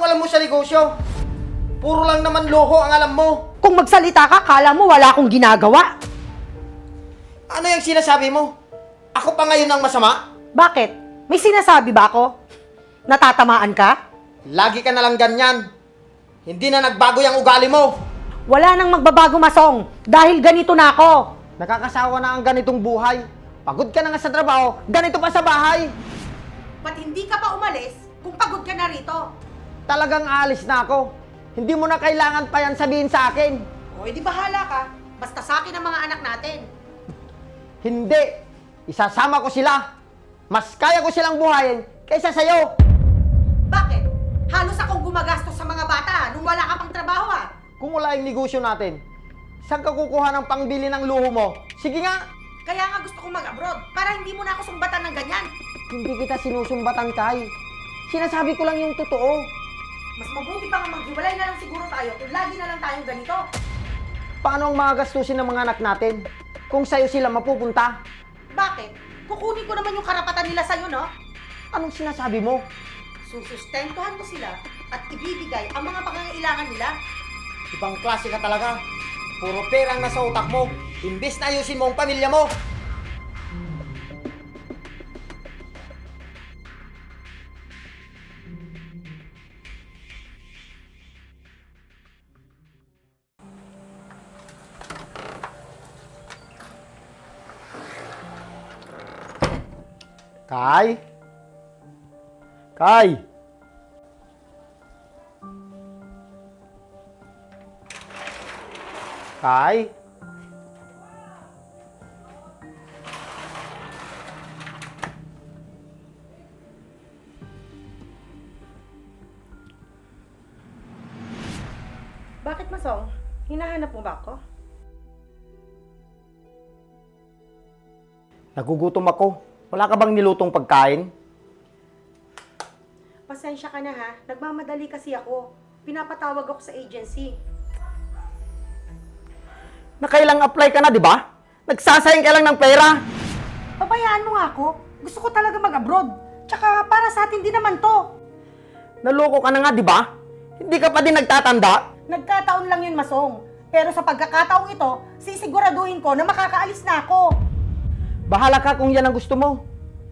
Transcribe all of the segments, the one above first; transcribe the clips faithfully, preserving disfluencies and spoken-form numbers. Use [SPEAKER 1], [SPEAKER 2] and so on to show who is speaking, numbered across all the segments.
[SPEAKER 1] Anong alam mo sa negosyo? Puro lang naman loho ang alam mo.
[SPEAKER 2] Kung magsalita ka, kala mo wala akong ginagawa.
[SPEAKER 1] Ano yung sinasabi mo? Ako pa ngayon ang masama?
[SPEAKER 2] Bakit? May sinasabi ba ako? Natatamaan ka?
[SPEAKER 1] Lagi ka na lang ganyan. Hindi na nagbago yung ugali mo.
[SPEAKER 2] Wala nang magbabago, Masong, dahil ganito na ako.
[SPEAKER 1] Nakakasawa na ang ganitong buhay. Pagod ka na nga sa trabaho, ganito pa sa bahay.
[SPEAKER 2] Ba't hindi ka pa umalis kung pagod ka na rito?
[SPEAKER 1] Talagang aalis na ako. Hindi mo na kailangan pa yan sabihin sa akin.
[SPEAKER 2] O, edi bahala ka. Basta sa akin ang mga anak natin.
[SPEAKER 1] Hindi. Isasama ko sila. Mas kaya ko silang buhayin kaysa sa'yo.
[SPEAKER 2] Bakit? Halos akong gumagastos sa mga bata nung wala ka pang trabaho ah.
[SPEAKER 1] Kung wala yung negosyo natin, saan ka kukuha ng pangbili ng luho mo? Sige nga.
[SPEAKER 2] Kaya nga gusto kong mag-abroad para hindi mo na ako sumbatan ng ganyan.
[SPEAKER 1] Hindi kita sinusumbatan, Kai. Sinasabi ko lang yung totoo.
[SPEAKER 2] Mas mabuti pa nga maghiwalay na lang siguro tayo kung lagi na lang tayong ganito.
[SPEAKER 1] Paano ang mga gastusin ng mga anak natin kung sa'yo sila mapupunta?
[SPEAKER 2] Bakit? Kukunin ko naman yung karapatan nila sa'yo, no?
[SPEAKER 1] Anong sinasabi mo?
[SPEAKER 2] Susustentuhan mo sila at ibibigay ang mga pangangailangan nila.
[SPEAKER 1] Ibang klase ka talaga. Puro perang nasa utak mo. Imbes na ayusin mo ang pamilya mo. Kai? Kai? Kai?
[SPEAKER 2] Bakit, Masong? Hinahanap mo ba ako?
[SPEAKER 1] Nagugutom ako. Wala ka bang nilutong pagkain?
[SPEAKER 2] Pasensya ka na ha. Nagmamadali kasi ako. Pinapatawag ako sa agency.
[SPEAKER 1] Nakailang apply ka na, di ba? Nagsasayang ka lang ng pera.
[SPEAKER 2] Pabayaan mo nga ako. Gusto ko talaga mag-abroad. Tsaka para sa atin din naman to.
[SPEAKER 1] Naloko ka na nga, di ba? Hindi ka pa din nagtatanda.
[SPEAKER 2] Nagkataon lang yun, Masong. Pero sa pagkakataong ito, sisiguraduhin ko na makakaalis na ako.
[SPEAKER 1] Bahala ka kung yan ang gusto mo.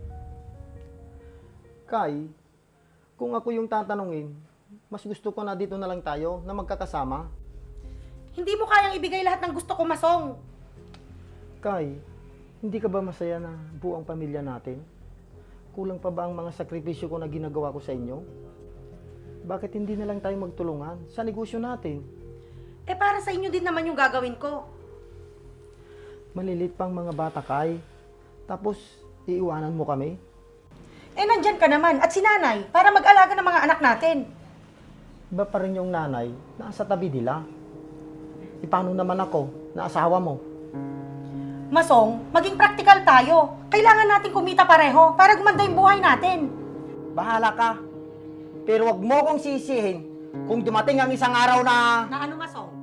[SPEAKER 1] Kai, kung ako yung tatanungin, mas gusto ko na dito na lang tayo na magkakasama.
[SPEAKER 2] Hindi mo kayang ibigay lahat ng gusto ko, Masong.
[SPEAKER 1] Kai, hindi ka ba masaya na buo ang pamilya natin? Kulang pa ba ang mga sakripisyo ko na ginagawa ko sa inyo? Bakit hindi na lang tayo magtulungan sa negosyo natin?
[SPEAKER 2] Eh para sa inyo din naman yung gagawin ko.
[SPEAKER 1] Malilit pang mga bata, Kai. Tapos, iiwanan mo kami?
[SPEAKER 2] Eh nandyan ka naman at si nanay para mag-alaga ng mga anak natin.
[SPEAKER 1] Iba pa rin yung nanay na sa tabi nila. E paano naman ako na asawa mo?
[SPEAKER 2] Masong, maging praktikal tayo. Kailangan natin kumita pareho para gumanda yung buhay natin.
[SPEAKER 1] Bahala ka. Pero wag mo kong sisihin kung dumating ang isang araw na...
[SPEAKER 2] Na ano, Masong?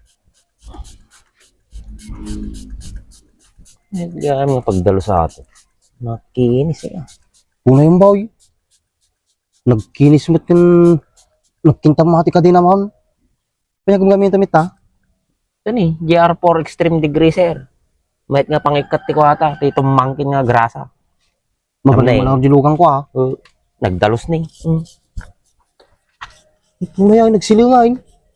[SPEAKER 3] Hindi kami pagdalo sa atin. Nakinis eh.
[SPEAKER 4] Una yung boy. Nagkinis mo't yung nagkintamati ka din naman. Kaya kung gamit damit ha?
[SPEAKER 3] Ito ni, G R four Extreme Degree, sir. Mahit nga pangikat ti ko ata. Ito mangkin nga grasa.
[SPEAKER 4] Magaling
[SPEAKER 3] Tama na
[SPEAKER 4] mo lang dilugan ko ha.
[SPEAKER 3] Uh, nagdalos ni. Mm.
[SPEAKER 4] Ito na yan, nagsilingain.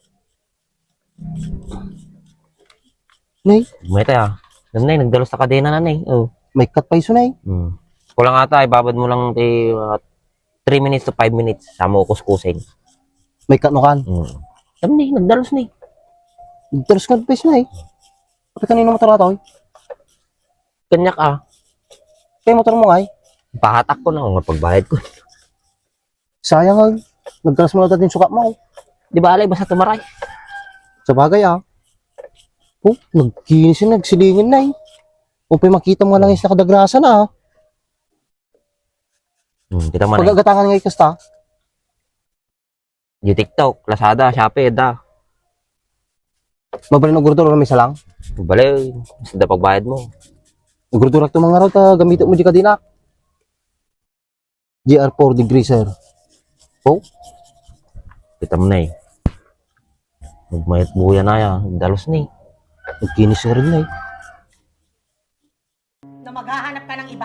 [SPEAKER 4] Nay,
[SPEAKER 3] Mahit ah. Nanay, nagdalos sa kadena nanay. Oh.
[SPEAKER 4] may cut pa iso nay.
[SPEAKER 3] Mm. Kulang ata, ibabad mo lang ti uh, three minutes to five minutes. Sama ko kuskusin.
[SPEAKER 4] May cut no kan.
[SPEAKER 3] Mm. Tama ni, nagdalos ni.
[SPEAKER 4] Nagtaros ka pa iso nay. Kapag kanino motor ato?
[SPEAKER 3] Kanyak ah.
[SPEAKER 4] Kaya motor mo ngay.
[SPEAKER 3] Pahatak ko na kung pagbayad ko.
[SPEAKER 4] Sayang ay. Nagtaros mo na dating sukat mo.
[SPEAKER 3] Di ba alay, basta tumaray.
[SPEAKER 4] Sa bagay ah. Oh, nagkinis yun, nagsilingin na eh. O pa makita mo nga lang is nakadagrasa na ah.
[SPEAKER 3] Hmm, kita mo na.
[SPEAKER 4] Pagagatangan nga ikasta.
[SPEAKER 3] Yung TikTok, Lazada, Shopee, da.
[SPEAKER 4] Mabalin og gurdura may salang.
[SPEAKER 3] Balay, basta pagbayad mo.
[SPEAKER 4] Gurdura to mga raw ta gamitin mo di kadina. G R four degree sir. Oh.
[SPEAKER 3] Kita mo na eh. Magmayat buya na yan. Dalos na eh.
[SPEAKER 4] Nagkinis na rin na eh.
[SPEAKER 2] Na maghahanap ka ng iba?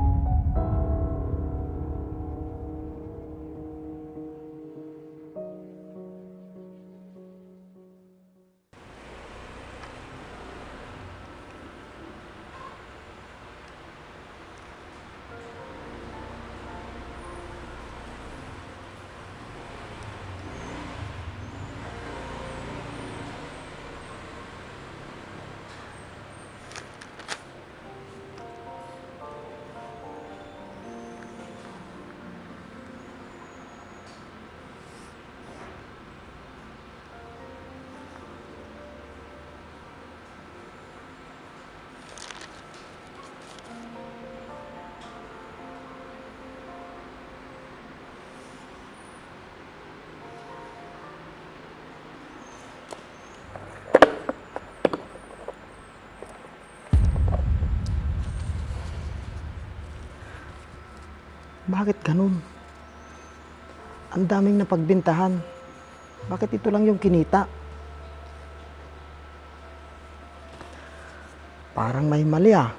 [SPEAKER 1] Bakit ganun? Ang daming napagbintahan. Bakit ito lang yung kinita? Parang may mali ah.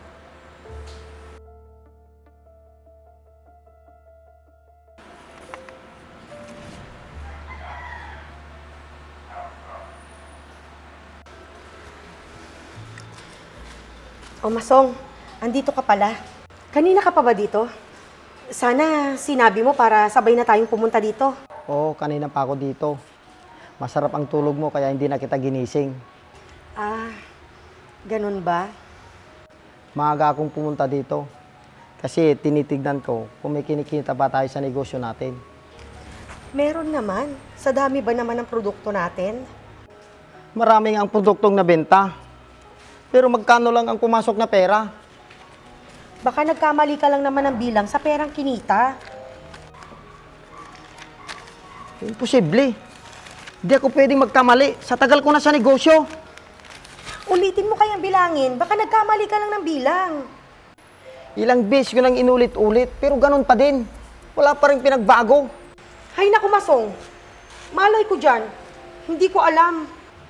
[SPEAKER 2] O Masong, andito ka pala. Kanina ka pa ba dito? Sana sinabi mo para sabay na tayong pumunta dito.
[SPEAKER 1] Oo, kanina pa ako dito. Masarap ang tulog mo kaya hindi na kita ginising.
[SPEAKER 2] Ah, ganun ba?
[SPEAKER 1] Maaga akong pumunta dito. Kasi tinitignan ko kung may kinikita ba tayo sa negosyo natin.
[SPEAKER 2] Meron naman. Sa dami ba naman ng produkto natin?
[SPEAKER 1] Maraming ang produktong nabenta. Pero magkano lang ang pumasok na pera?
[SPEAKER 2] Baka nagkamali ka lang naman ng bilang sa perang kinita.
[SPEAKER 1] Imposible. Hindi ako pwedeng magkamali. Sa tagal ko na sa negosyo.
[SPEAKER 2] Ulitin mo kayang bilangin. Baka nagkamali ka lang ng bilang.
[SPEAKER 1] Ilang beses ko nang inulit-ulit, pero ganun pa din. Wala pa rin pinagbago.
[SPEAKER 2] Hay naku, Masong. Malay ko dyan. Hindi ko alam.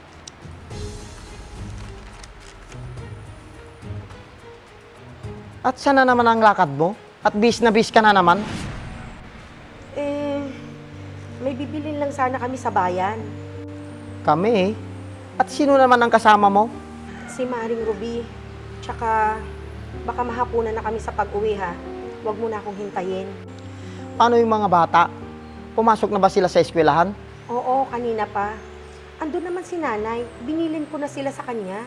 [SPEAKER 1] At sana naman ang lakad mo? At bis na bis ka na naman?
[SPEAKER 2] Eh, may bibilin lang sana kami sa bayan.
[SPEAKER 1] Kami eh. At sino naman ang kasama mo?
[SPEAKER 2] Si Maring Ruby. Tsaka, baka mahapunan na kami sa pag-uwi ha. Huwag mo na akong hintayin.
[SPEAKER 1] Paano yung mga bata? Pumasok na ba sila sa eskwelahan?
[SPEAKER 2] Oo, kanina pa. Andun naman si nanay. Binilin ko na sila sa kanya.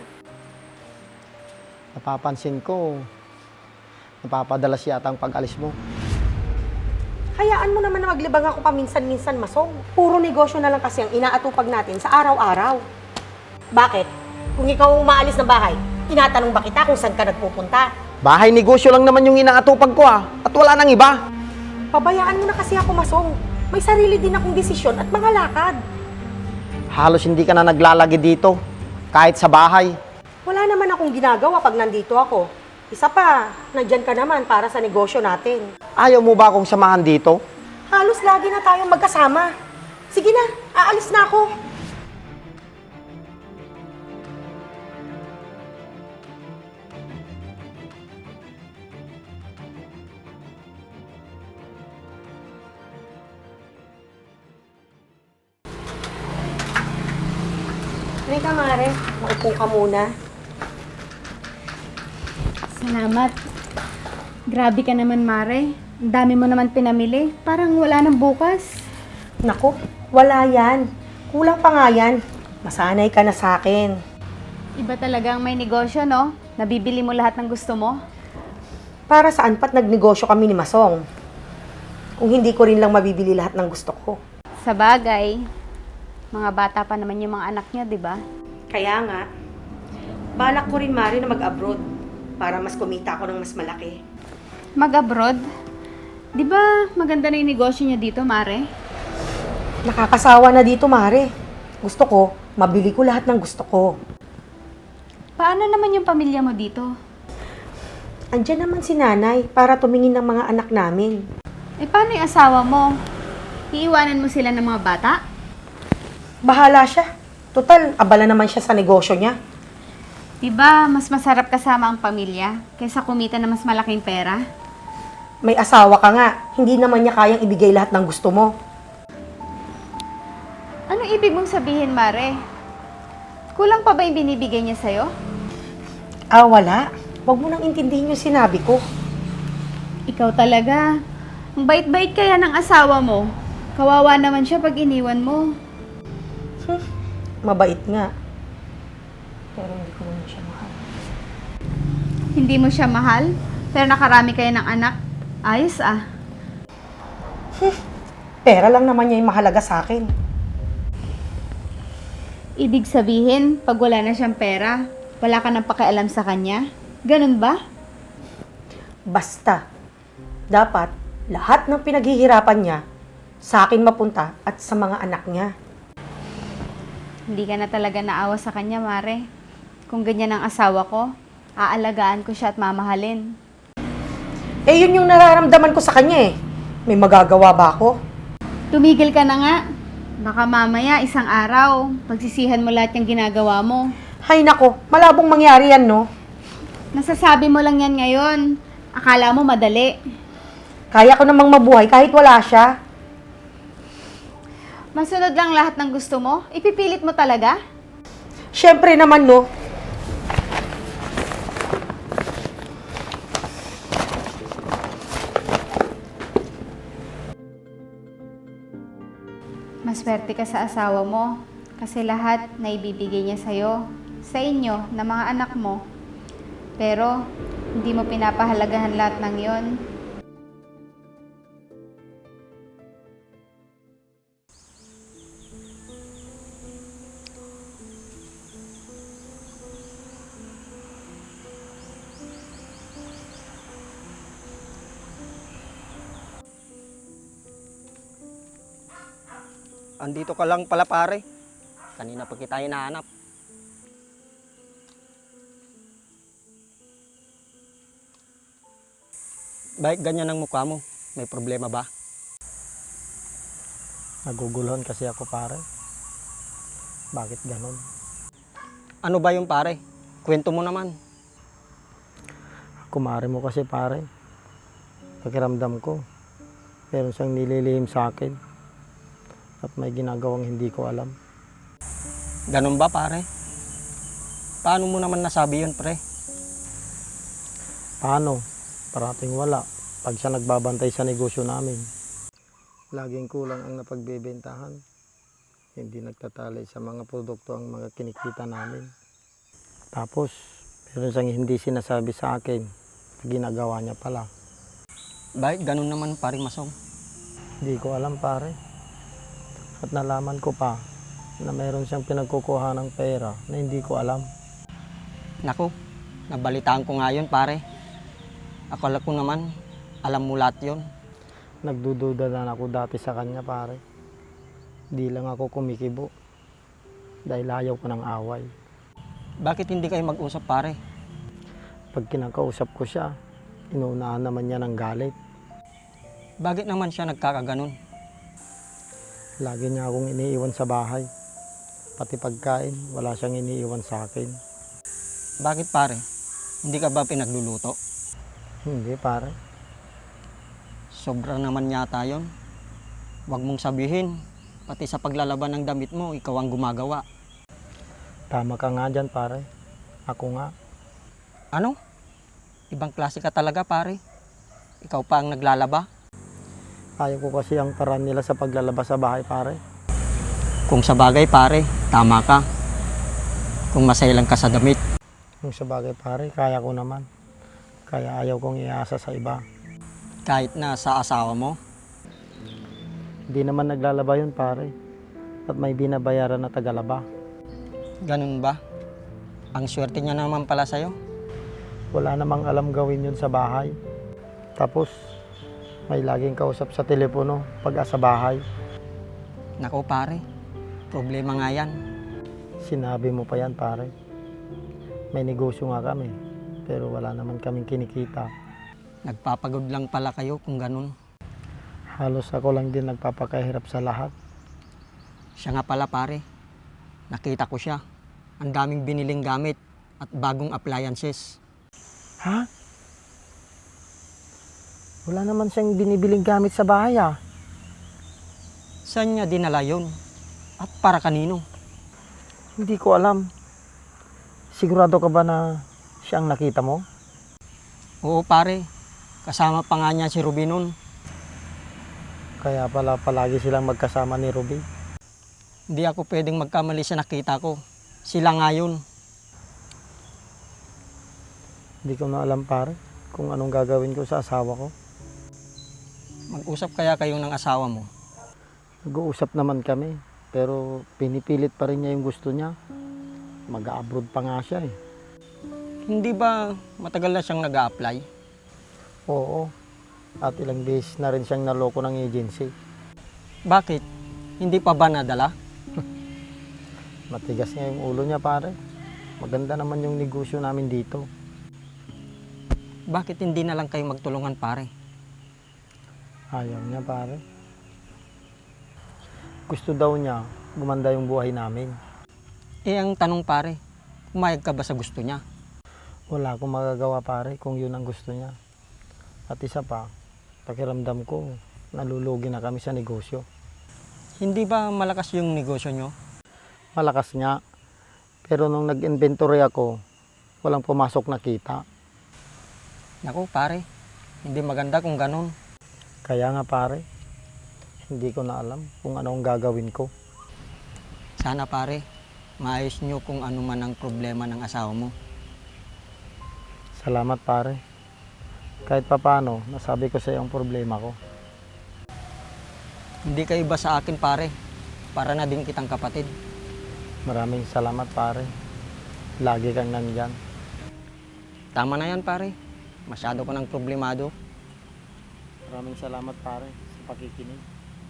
[SPEAKER 1] Napapansin ko, napapadalas yata ang pag-alis mo.
[SPEAKER 2] Hayaan mo naman na maglibang ako paminsan-minsan, Masong. Puro negosyo na lang kasi ang inaatupag natin sa araw-araw. Bakit? Kung ikaw ang umaalis ng bahay, tinatanong ba kita kung saan ka nagpupunta?
[SPEAKER 1] Bahay negosyo lang naman yung inaatupag ko ah. At wala nang iba.
[SPEAKER 2] Pabayaan mo na kasi ako, Masong. May sarili din akong desisyon at mga lakad.
[SPEAKER 1] Halos hindi ka na naglalagi dito. Kahit sa bahay.
[SPEAKER 2] Wala naman akong ginagawa pag nandito ako. Isa pa, nandyan ka naman para sa negosyo natin.
[SPEAKER 1] Ayaw mo ba akong samahan dito?
[SPEAKER 2] Halos lagi na tayong magkasama. Sige na, aalis na ako. Halika, Mare. Maupo ka muna.
[SPEAKER 5] Salamat. Grabe ka naman, Mare. Ang dami mo naman pinamili. Parang wala nang bukas.
[SPEAKER 2] Naku, wala yan. Kulang pa nga yan. Masanay ka na sa akin.
[SPEAKER 5] Iba talagang may negosyo, no? Nabibili mo lahat ng gusto mo.
[SPEAKER 2] Para saan pa't nagnegosyo kami ni Masong? Kung hindi ko rin lang mabibili lahat ng gusto ko.
[SPEAKER 5] Sa bagay, mga bata pa naman yung mga anak niya, di ba?
[SPEAKER 2] Kaya nga, balak ko rin, Mari, na mag-abroad para mas kumita ako ng mas malaki.
[SPEAKER 5] Mag-abroad? Di ba maganda na yung negosyo niya dito, Mare?
[SPEAKER 2] Nakakasawa na dito, Mari. Gusto ko, mabili ko lahat ng gusto ko.
[SPEAKER 5] Paano naman yung pamilya mo dito?
[SPEAKER 2] Andiyan naman si nanay para tumingin ng mga anak namin.
[SPEAKER 5] Eh, paano yung asawa mo? Iiwanan mo sila ng mga bata?
[SPEAKER 2] Bahala siya. Total, abala naman siya sa negosyo niya.
[SPEAKER 5] Diba, mas masarap kasama ang pamilya kaysa kumita na mas malaking pera?
[SPEAKER 2] May asawa ka nga, hindi naman niya kayang ibigay lahat ng gusto mo.
[SPEAKER 5] Ano ibig mong sabihin, Mare? Kulang pa ba yung binibigay niya sa'yo?
[SPEAKER 2] Ah, wala. Huwag mo nang intindihin yung sinabi ko.
[SPEAKER 5] Ikaw talaga. Ang bait-bait kaya ng asawa mo. Kawawa naman siya pag iniwan mo.
[SPEAKER 2] Hmm, mabait nga. Pero hindi ko naman siya mahal.
[SPEAKER 5] Hindi mo siya mahal, pero nakarami kayo ng anak. Ayos ah.
[SPEAKER 2] Pera lang naman niya yung mahalaga sa akin.
[SPEAKER 5] Ibig sabihin, pag wala na siyang pera, wala ka nang pakialam sa kanya? Ganun ba?
[SPEAKER 2] Basta, dapat lahat ng pinaghihirapan niya sa akin mapunta at sa mga anak niya.
[SPEAKER 5] Hindi ka na talaga naawa sa kanya, Mare. Kung ganyan ang asawa ko, aalagaan ko siya at mamahalin.
[SPEAKER 2] Eh, yun yung nararamdaman ko sa kanya eh. May magagawa ba ako?
[SPEAKER 5] Tumigil ka na nga. Baka mamaya, isang araw, pagsisihan mo lahat yung ginagawa mo.
[SPEAKER 2] Hay nako, malabong mangyari yan, no?
[SPEAKER 5] Nasasabi mo lang yan ngayon. Akala mo madali.
[SPEAKER 2] Kaya ko namang mabuhay kahit wala siya.
[SPEAKER 5] Masunod lang lahat ng gusto mo? Ipipilit mo talaga?
[SPEAKER 2] Siyempre naman, no?
[SPEAKER 5] Maswerte ka sa asawa mo kasi lahat na ibibigay niya sa'yo, sa inyo, na mga anak mo. Pero, hindi mo pinapahalagahan lahat ng yon.
[SPEAKER 6] Andito ka lang pala pare. Kanina pa kita hinahanap. Bakit ganyan ang mukha mo? May problema ba?
[SPEAKER 1] Naguguluhan kasi ako, pare. Bakit ganon?
[SPEAKER 6] Ano ba yung pare? Kwento mo naman.
[SPEAKER 1] Kumare mo kasi, pare. Pakiramdam ko, meron siyang nililihim sa akin. At may ginagawang hindi ko alam.
[SPEAKER 6] Ganun ba pare? Paano mo naman nasabi yun pre?
[SPEAKER 1] Paano? Parating wala. Pag siya nagbabantay sa negosyo namin. Laging kulang ang napagbebentahan. Hindi nagtatalay sa mga produkto ang mga kinikita namin. Tapos, meron siyang hindi sinasabi sa akin. Ginagawa niya pala.
[SPEAKER 6] Bakit ganun naman pare Masong?
[SPEAKER 1] Hindi ko alam, pare. At nalaman ko pa na meron siyang pinagkukuha ng pera na hindi ko alam.
[SPEAKER 6] Naku, nabalitaan ko nga yun pare. Akala ko naman, alam mo lahat yun.
[SPEAKER 1] Nagdududa na ako dati sa kanya, pare. Di lang ako kumikibo. Dahil ayaw ko ng away.
[SPEAKER 6] Bakit hindi kayo mag-usap pare?
[SPEAKER 1] Pag kinakausap ko siya, inuunahan naman niya ng galit.
[SPEAKER 6] Bakit naman siya nagkakaganon?
[SPEAKER 1] Lagi niya akong iniiwan sa bahay. Pati pagkain, wala siyang iniiwan sa akin.
[SPEAKER 6] Bakit pare? Hindi ka ba pinagluluto?
[SPEAKER 1] Hindi, pare.
[SPEAKER 6] Sobra naman yata yun. Huwag mong sabihin, pati sa paglalaban ng damit mo, ikaw ang gumagawa.
[SPEAKER 1] Tama ka nga dyan, pare. Ako nga.
[SPEAKER 6] Ano? Ibang klase ka talaga pare. Ikaw pa ang naglalaba.
[SPEAKER 1] Ayaw ko kasi ang paraan nila sa paglalabas sa bahay, pare.
[SPEAKER 6] Kung sa bagay pare, tama ka. Kung masaya lang ka sa damit.
[SPEAKER 1] Yung sa bagay, pare, kaya ko naman. Kaya ayaw kong iasa sa iba.
[SPEAKER 6] Kahit na sa asawa mo.
[SPEAKER 1] Hindi naman naglalaba yun, pare. At may binabayaran na tagalaba.
[SPEAKER 6] Ganun ba? Ang swerte niya naman pala sa'yo.
[SPEAKER 1] Wala namang alam gawin yun sa bahay. Tapos, may laging kausap sa telepono pag asa bahay.
[SPEAKER 6] Nako pare, problema nga yan.
[SPEAKER 1] Sinabi mo pa yan, pare. May negosyo nga kami, pero wala naman kaming kinikita.
[SPEAKER 6] Nagpapagod lang pala kayo kung ganun.
[SPEAKER 1] Halos ako lang din nagpapakahirap sa lahat.
[SPEAKER 6] Siya nga pala pare, Nakita ko siya. Ang daming biniling gamit at bagong appliances.
[SPEAKER 1] Ha? Wala naman siyang binibiling gamit sa bahay ah.
[SPEAKER 6] Saan niya dinala yun? At para kanino?
[SPEAKER 1] Hindi ko alam. Sigurado ka ba na siya ang nakita mo?
[SPEAKER 6] Oo pare, kasama pa nga niya si Ruby nun.
[SPEAKER 1] Kaya pala palagi silang magkasama ni Ruby.
[SPEAKER 6] Hindi ako pwedeng magkamali sa nakita ko. Sila nga yun.
[SPEAKER 1] Hindi ko na alam pare kung anong gagawin ko sa asawa ko.
[SPEAKER 6] Mag-usap kaya kayo ng asawa mo.
[SPEAKER 1] Nag-uusap naman kami, pero pinipilit pa rin niya yung gusto niya. Mag-abroad pa nga siya eh.
[SPEAKER 6] Hindi ba matagal na siyang nag-a-apply?
[SPEAKER 1] Oo, at ilang beses na rin siyang naloko ng agency.
[SPEAKER 6] Bakit? Hindi pa ba nadala?
[SPEAKER 1] Matigas nga yung ulo niya pare. Maganda naman yung negosyo namin dito.
[SPEAKER 6] Bakit hindi na lang kayo magtulungan pare?
[SPEAKER 1] Ayaw niya pare. Gusto daw niya gumanda yung buhay namin.
[SPEAKER 6] Eh ang tanong pare, pumayag ka ba sa gusto niya?
[SPEAKER 1] Wala akong magagawa pare kung yun ang gusto niya. At isa pa, pakiramdam ko, nalulugi na kami sa negosyo.
[SPEAKER 6] Hindi ba malakas yung negosyo nyo?
[SPEAKER 1] Malakas nga, pero nung nag-inventory ako, walang pumasok na kita.
[SPEAKER 6] Naku pare, hindi maganda kung ganun.
[SPEAKER 1] Kaya nga pare, hindi ko na alam kung ano ang gagawin ko.
[SPEAKER 6] Sana pare, maayos nyo kung ano man ang problema ng asawa mo.
[SPEAKER 1] Salamat pare. Kahit papano, nasabi ko sa iyo ang problema ko.
[SPEAKER 6] Hindi ka iba sa akin pare, para na din kitang kapatid.
[SPEAKER 1] Maraming salamat pare. Lagi kang nandyan.
[SPEAKER 6] Tama na yan pare, masyado ko ng problemado.
[SPEAKER 1] Maraming salamat pare sa pakikinig.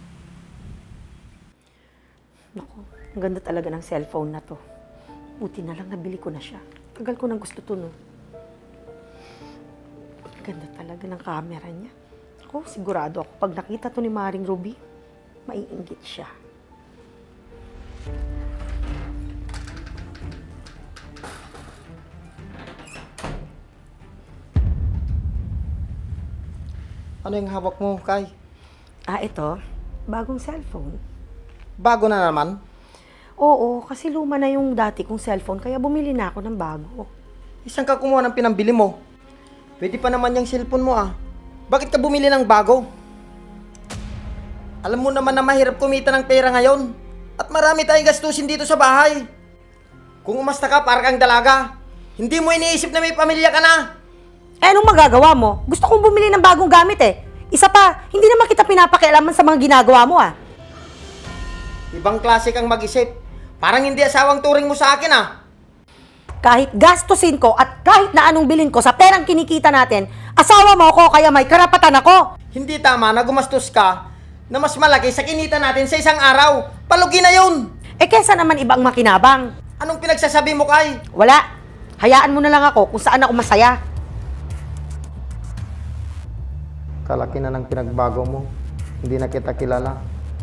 [SPEAKER 2] Naku, ang ganda talaga ng cellphone na to. Buti na lang nabili ko na siya. Tagal ko nang gusto to, no? Ganda talaga ng camera niya. Ako, sigurado ako, pag nakita to ni Maring Ruby, maiinggit siya.
[SPEAKER 1] Ano yung hawak mo, Kay?
[SPEAKER 2] Ah, ito, bagong cellphone.
[SPEAKER 1] Bago na naman?
[SPEAKER 2] Oo, kasi luma na yung dati kong cellphone, kaya bumili na ako ng bago.
[SPEAKER 1] Isang ka kumuha ng pinambili mo. Pwede pa naman yung cellphone mo ah. Bakit ka bumili ng bago? Alam mo naman na mahirap kumita ng pera ngayon. At marami tayong gastusin dito sa bahay. Kung umasta ka, para kang dalaga. Hindi mo iniisip na may pamilya ka na.
[SPEAKER 2] Eh, anong magagawa mo? Gusto kong bumili ng bagong gamit eh. Isa pa, hindi naman kita pinapakialaman sa mga ginagawa mo ah.
[SPEAKER 1] Ibang klase kang mag-isip. Parang hindi asawang turing mo sa akin ah.
[SPEAKER 2] Kahit gastusin ko at kahit na anong bilin ko sa perang kinikita natin, asawa mo ako kaya may karapatan ako.
[SPEAKER 1] Hindi tama na gumastos ka na mas malaki sa kinita natin sa isang araw. Palugi na yun.
[SPEAKER 2] Eh, kesa naman ibang makinabang.
[SPEAKER 1] Anong pinagsasabi mo, Kay?
[SPEAKER 2] Wala. Hayaan mo na lang ako kung saan ako masaya.
[SPEAKER 1] Kalaki na ng pinagbago mo. Hindi na kita kilala.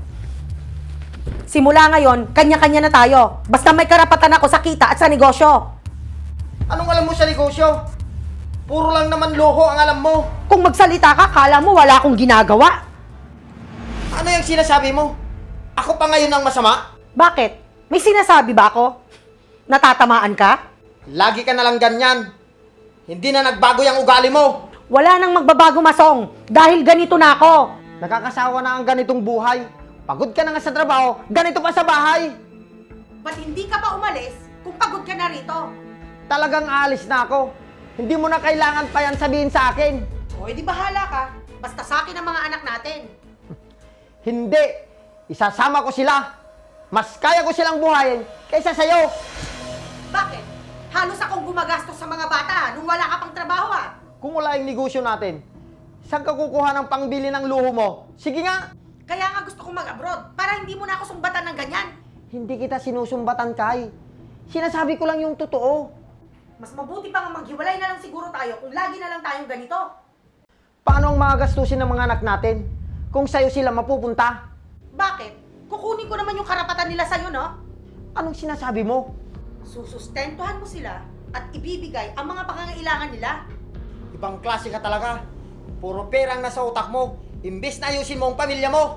[SPEAKER 2] Simula ngayon, kanya-kanya na tayo. Basta may karapatan ako sa kita at sa negosyo.
[SPEAKER 1] Anong alam mo sa negosyo? Puro lang naman loko ang alam mo.
[SPEAKER 2] Kung magsalita ka, kala mo wala akong ginagawa.
[SPEAKER 1] Ano yung sinasabi mo? Ako pa ngayon ang masama?
[SPEAKER 2] Bakit? May sinasabi ba ako? Natatamaan ka?
[SPEAKER 1] Lagi ka na lang ganyan. Hindi na nagbago yung ugali mo.
[SPEAKER 2] Wala nang magbabago, Masong. Dahil ganito na ako.
[SPEAKER 1] Nakakasawa na ang ganitong buhay. Pagod ka na nga sa trabaho, ganito pa sa bahay.
[SPEAKER 2] Ba't hindi ka pa umalis kung pagod ka na rito?
[SPEAKER 1] Talagang alis na ako. Hindi mo na kailangan pa yan sabihin sa akin.
[SPEAKER 2] O, edi bahala ka. Basta sa akin ang mga anak natin.
[SPEAKER 1] Hindi. Isasama ko sila. Mas kaya ko silang buhayin kaysa sa'yo.
[SPEAKER 2] Bakit? Halos akong gumagastos sa mga bata nung wala ka pang trabaho ah.
[SPEAKER 1] Kung wala yung negosyo natin, saan ka kukuha ng pangbili ng luho mo? Sige nga.
[SPEAKER 2] Kaya nga gusto kong mag-abroad para hindi mo na ako sumbatan ng ganyan.
[SPEAKER 1] Hindi kita sinusumbatan, Kay. Sinasabi ko lang yung totoo.
[SPEAKER 2] Mas mabuti pa nga maghiwalay na lang siguro tayo kung lagi na lang tayong ganito.
[SPEAKER 1] Paano ang mga gastusin ng mga anak natin kung sa'yo sila mapupunta?
[SPEAKER 2] Bakit? Kukunin ko naman yung karapatan nila sa'yo, no?
[SPEAKER 1] Anong sinasabi mo?
[SPEAKER 2] Susustentuhan mo sila at ibibigay ang mga pangangailangan nila.
[SPEAKER 1] Ibang klase ka talaga. Puro perang nasa utak mo. Imbes na ayusin mo ang pamilya mo.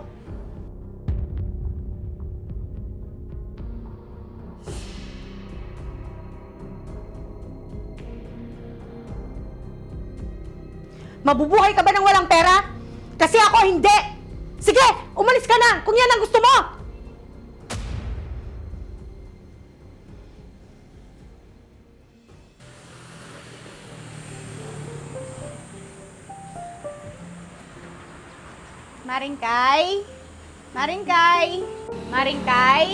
[SPEAKER 2] Mabubuhay ka ba ng walang pera? Kasi ako hindi! Sige, umalis ka na kung yan ang gusto mo!
[SPEAKER 5] Maringkay? Maringkay? Maringkay?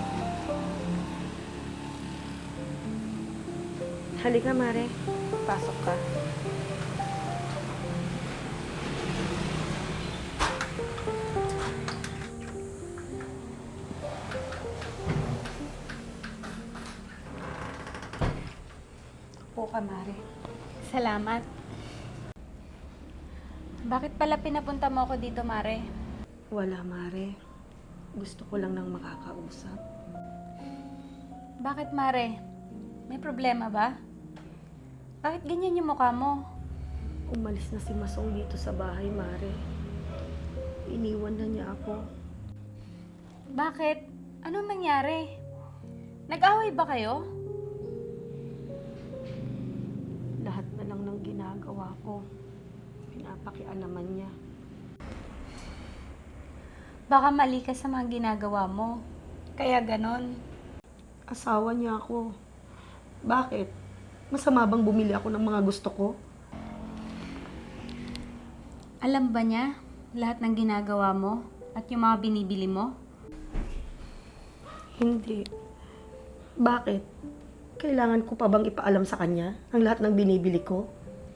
[SPEAKER 2] Halika, Mare. Pasok ka. Upo ka, Mare.
[SPEAKER 5] Salamat. Bakit pala pinapunta mo ako dito, Mare?
[SPEAKER 2] Wala, Mare. Gusto ko lang ng makakausap.
[SPEAKER 5] Bakit, Mare? May problema ba? Bakit ganyan yung mukha mo?
[SPEAKER 2] Umalis na si Masong dito sa bahay, Mare. Iniwan na niya ako.
[SPEAKER 5] Bakit? Anong nangyari? Nag-away ba kayo?
[SPEAKER 2] Lahat na lang ng ginagawa ko, pinapakialaman niya.
[SPEAKER 5] Baka mali ka sa mga ginagawa mo. Kaya ganon.
[SPEAKER 2] Asawa niya ako. Bakit? Masama bang bumili ako ng mga gusto ko?
[SPEAKER 5] Alam ba niya lahat ng ginagawa mo at yung mga binibili mo?
[SPEAKER 2] Hindi. Bakit? Kailangan ko pa bang ipaalam sa kanya ang lahat ng binibili ko?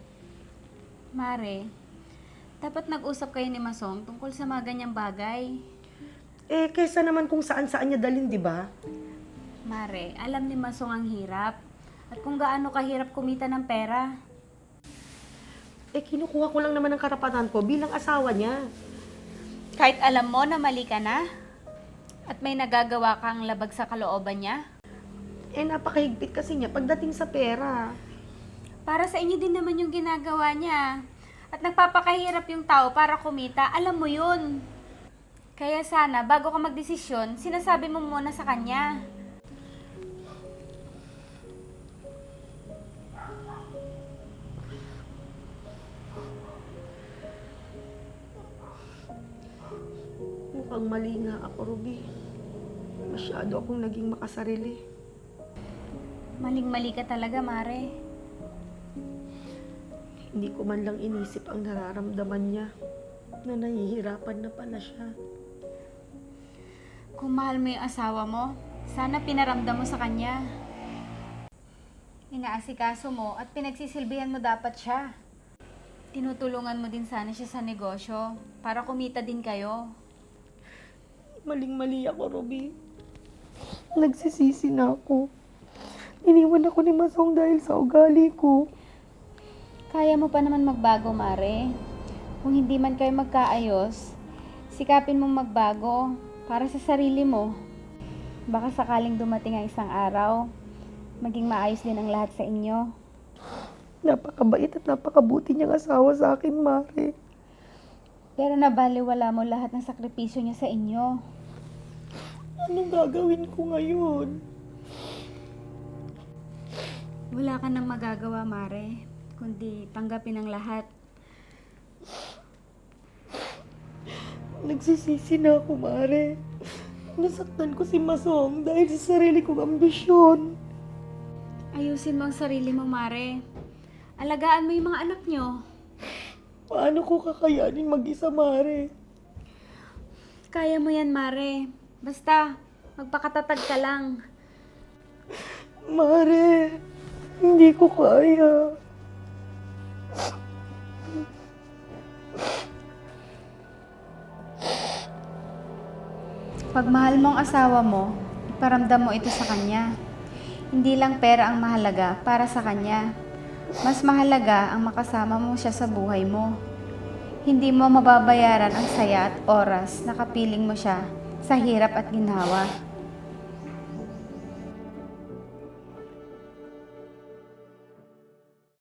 [SPEAKER 5] Mare, dapat nag-usap kayo ni Masong tungkol sa mga ganyang bagay.
[SPEAKER 2] Eh, kaysa naman kung saan-saan niya dalhin, di ba?
[SPEAKER 5] Mare, alam ni Masong ang hirap at kung gaano kahirap kumita ng pera.
[SPEAKER 2] Eh, kinukuha ko lang naman ang karapatan ko bilang asawa niya.
[SPEAKER 5] Kahit alam mo na mali ka na at may nagagawa kang labag sa kalooban niya,
[SPEAKER 2] Eh, napakahigpit kasi niya pagdating sa pera.
[SPEAKER 5] para sa inyo din naman yung ginagawa niya. At nagpapakahirap yung tao para kumita, alam mo yun. Kaya sana, bago ka magdesisyon, sinasabi mo muna sa kanya.
[SPEAKER 2] Mukhang mali nga ako, Ruby. Masyado akong naging makasarili.
[SPEAKER 5] Maling-mali ka talaga, Mare.
[SPEAKER 2] Hindi ko man lang inisip ang nararamdaman niya na nahihirapan na pala siya.
[SPEAKER 5] Kung mahal mo yung asawa mo, sana pinaramdam mo sa kanya. Inaasikaso mo at pinagsisilbihan mo dapat siya. Tinutulungan mo din sana siya sa negosyo para kumita din kayo.
[SPEAKER 2] Maling-mali ako, Ruby. Nagsisisi na ako. Iniwan ako ni Masong dahil sa ugali ko.
[SPEAKER 5] Kaya mo pa naman magbago, Mare. Kung hindi man kayo magkaayos, sikapin mong magbago para sa sarili mo. Baka sakaling dumating ang isang araw, maging maayos din ang lahat sa inyo.
[SPEAKER 2] Napakabait at napakabuti niyang asawa sa akin, Mare.
[SPEAKER 5] Pero nabaliwala mo lahat ng sakripisyo niya sa inyo.
[SPEAKER 2] Anong gagawin ko ngayon?
[SPEAKER 5] Wala ka nang magagawa, Mare, kundi tanggapin ang lahat.
[SPEAKER 2] Nagsisisi na ako, Mare. Nasaktan ko si Masong dahil sa sarili kong ambisyon.
[SPEAKER 5] Ayusin mo ang sarili mo, Mare. Alagaan mo yung mga anak niyo.
[SPEAKER 2] Paano ko kakayanin mag-isa, Mare?
[SPEAKER 5] Kaya mo yan, Mare. Basta, magpakatatag ka lang.
[SPEAKER 2] Mare, hindi ko kaya.
[SPEAKER 5] Pag mahal mo ang asawa mo, iparamdam mo ito sa kanya. Hindi lang pera ang mahalaga para sa kanya. Mas mahalaga ang makasama mo siya sa buhay mo. Hindi mo mababayaran ang saya at oras na kapiling mo siya sa hirap at ginhawa.